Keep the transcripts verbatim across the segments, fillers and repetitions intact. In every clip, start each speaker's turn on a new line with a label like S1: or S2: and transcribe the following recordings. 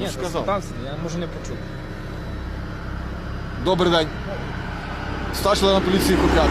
S1: Ні,
S2: сказав.
S1: спитався, я можу не почути.
S2: Добрий день. Старший лейтенант поліції Куп'ят.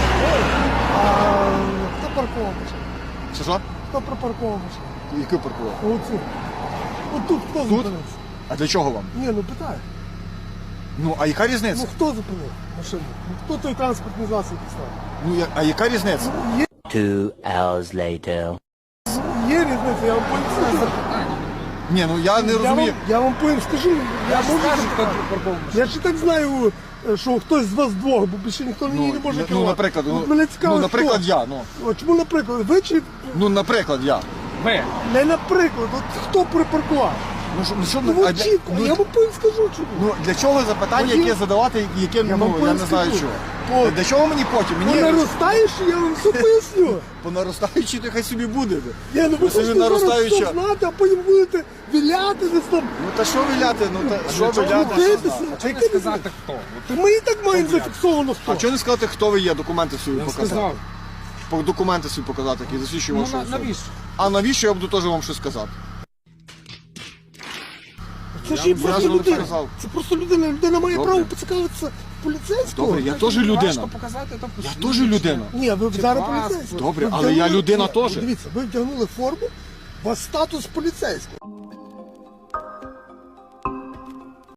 S3: А хто паркував?
S2: Що що?
S3: Хто припаркував машину?
S2: Яку паркував?
S3: Оцю. Отут хто зупинився?
S2: А для чого вам?
S3: Ні, ну питай.
S2: Ну, а яка різниця?
S3: Ну хто зупинив машину? Ну хто той транспортний засіб поставив?
S2: Ну, я- а яка різниця?
S3: Є,
S4: Two hours later.
S3: є різниця, я вам поясню.
S2: Ні, ну я не
S3: Я вам,
S2: розумію.
S3: я вам поясню, скажу. Я,
S1: Я ж
S3: можу
S1: скажу, хто
S3: запитати.
S1: припарковав машину.
S3: Я ж і так знаю, що хтось з вас двох, бо більше ніхто
S2: Ну,
S3: її не може
S2: ну,
S3: керувати.
S2: наприклад,
S3: От
S2: ну,
S3: мене цікаво,
S2: ну, наприклад,
S3: хто?
S2: я, ну.
S3: От чому, наприклад, ви чи
S2: Ну, наприклад, я.
S1: Ви.
S3: не наприклад, от хто припаркував?
S2: Ну, що, ну, що,
S3: Ну,
S2: а
S3: от
S2: для,
S3: чітко,
S2: ну,
S3: я вам потім скажу, чому.
S2: ну, для чого запитання,
S3: Потім-
S2: яке задавати, яке,
S3: Я
S2: ну,
S3: вам
S2: я
S3: потім
S2: не знаю
S3: скажу.
S2: чого.
S3: От.
S2: Для чого мені потім?
S3: Ви
S2: Мені
S3: наростаючи, я вам все поясню.
S2: по наростаючій, то хай собі буде.
S3: Ні, ну ви
S2: собі
S3: хочете зараз
S2: наростаюча.
S3: все знати, а потім будете віляти десь там.
S2: Ну, та що виляти? Ну, та, що
S1: чого
S2: виляти?
S1: ви
S2: що
S3: Крутитися.
S2: знати?
S3: А
S1: Чи не
S3: яке
S1: сказати хто?
S3: Та ми і так маємо зафіксовано
S2: А
S3: хто.
S2: чого не сказати, хто ви є, документи свої
S1: Я
S2: показати?
S1: сказав.
S2: По- Документи свої показати, які засвідчують
S1: Ну
S2: вашу
S1: на-
S2: особу.
S1: навіщо?
S2: А навіщо я буду теж вам щось сказати?
S3: Це ж
S2: Я
S3: є
S2: вам
S3: просто
S2: зразу
S3: людина.
S2: сказав.
S3: Це просто людина. Людина має
S2: Добре.
S3: право поцікавитися поліцейського.
S2: Добре, я теж
S1: Важко
S2: людина.
S1: показати, то
S2: Я
S1: посвідчення.
S2: теж людина.
S3: Ні, ви
S1: Чи
S3: зараз
S1: паспорт.
S3: поліцейський.
S2: Добре,
S3: Ви
S2: але я
S3: вдягнули-
S2: людина
S3: Ні,
S2: теж.
S3: Дивіться, ви вдягнули форму, у вас статус поліцейського.